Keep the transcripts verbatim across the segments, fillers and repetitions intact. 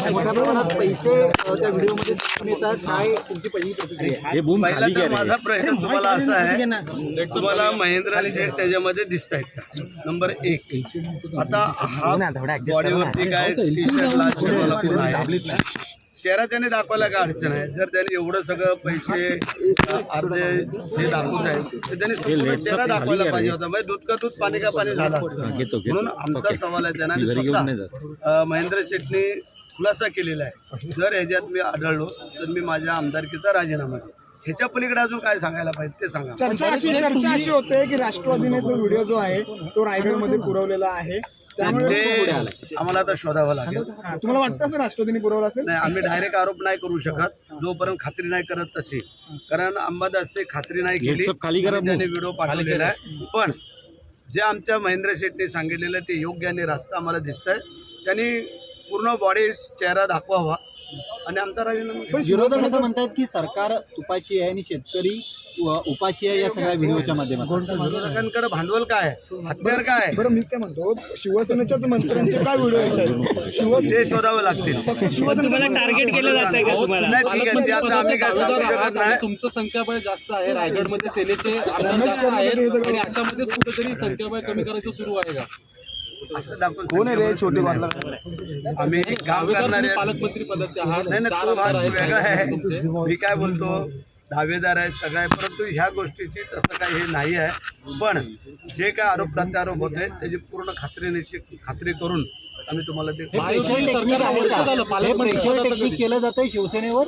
मोठ्या प्रमाणात पैसे त्या व्हिडिओमध्ये दिसून येतात, काय तुमची पहिली प्रतिक्रिया? हे बूम खाली पहिला तर घ्या रे. माझा प्रश्न तुम्हाला असा आहे, तुम्हाला महेंद्र शेठ त्याच्यामध्ये दिसत आहेत का? नंबर एक. आता हा बॉडीवरती काय टी शर्टला शर्टला कोण आहे, चेहरा त्याने दाखवायला काय अडचण आहे? जर त्याने एवढं सगळं पैसे अर्धे हे दाखवत आहेत तर त्याने संपूर्ण चेहरा दाखवायला पाहिजे होता. म्हणजे दूध का दूध पाणी का पाणी झाला असतं. म्हणून आमचा सवाल आहे त्यांना, स्वतः महेंद्र शेठने खुलासा केलेला आहे, जर ह्याच्यात मी आढळलो तर मी माझ्या आमदारकीचा राजीनामा देईन. ह्याच्या पलीकडे अजून काय सांगायला पाहिजे ते सांगा. चर्चा अशी चर्चा अशी होते की राष्ट्रवादीने तो व्हिडिओ जो आहे तो रायगडमध्ये पुरवलेला आहे, त्यामुळे ते आम्हाला आता शोधावं लागेल. तुम्हाला वाटतं असं राष्ट्रवादीने पुरवला असेल? नाही, आम्ही डायरेक्ट आरोप नाही करू शकत जोपर्यंत खात्री नाही करत तशी, कारण अंबादास ते खात्री नाही केली, खाली करा, त्याने व्हिडिओ पाठवलेला आहे. पण जे आमच्या महेंद्र शेठने सांगितलेलं ते योग्य आणि रास्ता आम्हाला दिसतंय. त्यांनी पूर्ण बॉडी चेहरा दाखवावा आणि आमचा राजीनामा. विरोधक असं म्हणतात की सरकार तुपाशी आहे आणि शेतकरी उपाशी आहे या सगळ्या व्हिडिओच्या माध्यमातून. विरोधकांकडे भांडवल काय आहे, हत्यार काय आहे? बरं, मी काय म्हणतो, शिवसेनेच्याच मंत्र्यांचे काय व्हिडिओ आहेत? शिवसेने ते शोधावं लागतील. फक्त शिवसेनेला टार्गेट केलं जातंय का तुम्हाला? नाही, ठीक आहे, ते आता आम्ही काय सांगू शकत नाही. तुमचं संख्याबळ जास्त आहे, रायगडमध्ये सेनेचे आमदार जास्त आहेत आणि अशामध्येच कुठेतरी संख्याबळ कमी करायचं सुरू आहे का? असं दाखवून कोण आहे रे छोटे बादला आम्ही काम करणारे पालकमंत्री पदाचे आहात, नाही नाही, चार तो भाग आमदार आहेत वेगळा आहे. तुमचे. मी काय बोलतो, दावेदार आहे सगळं आहे, परंतु ह्या गोष्टीची तसं काही हे नाही आहे. पण जे काय आरोप प्रत्यारोप होत आहेत त्याची पूर्ण खात्री निश्चित खात्री करून आम्ही तुम्हाला ते प्रेशर टेक्निक आहे का? हे प्रेशर टेक्निक केलं जातंय शिवसेनेवर?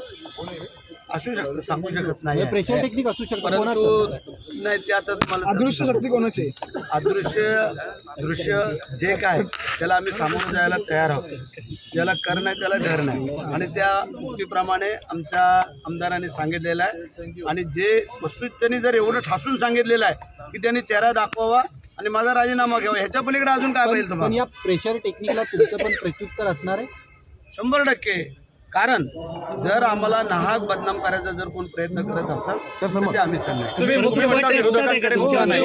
असू शकतं, सांगू शकत नाही. प्रेशर टेक्निक असू शकतं परंतु कोणाचं? नाही, ते आता तुम्हाला अदृश्य शक्ती कोणाची? अदृश्य दृश्य जे काय त्याला आम्ही सामोरं जायला तयार आहोत. ज्याला कर नाही त्याला डर नाही, आणि त्या उक्तीप्रमाणे आमच्या आमदारांनी सांगितलेलं आहे. आणि जे वस्तू त्यांनी जर एवढं ठासून सांगितलेलं आहे की त्यांनी चेहरा दाखवावा आणि माझा राजीनामा घ्यावा, ह्याच्या पलीकडे अजून काय पाहिजे पण तुम्हाला? या प्रेशर टेक्निकला तुमचं पण प्रत्युत्तर असणार आहे? शंभर टक्के. कारण जर आम्हाला नाहक बदनाम करायचा जर कोण प्रयत्न करत असाल तर ते आम्ही सांगणार. तुम्ही मुख्यमंत्री असतात आहे का तुमच्या नाही?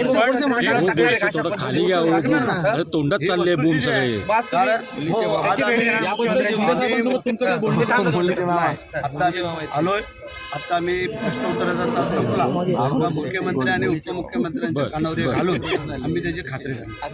थोडं खाली घ्या. अरे तोंडात चालले बूम सगळे. कारण हो, आज आम्ही- याबद्दल शिंदे साहेबांसोबत तुमचं काय बोलणं नाही, आता आम्ही आलोय, आता आम्ही प्रश्नोत्तराचा तास संपला, मुख्यमंत्री आणि उपमुख्यमंत्र्यांच्या कानावर घालून आम्ही त्याची खात्री करणार.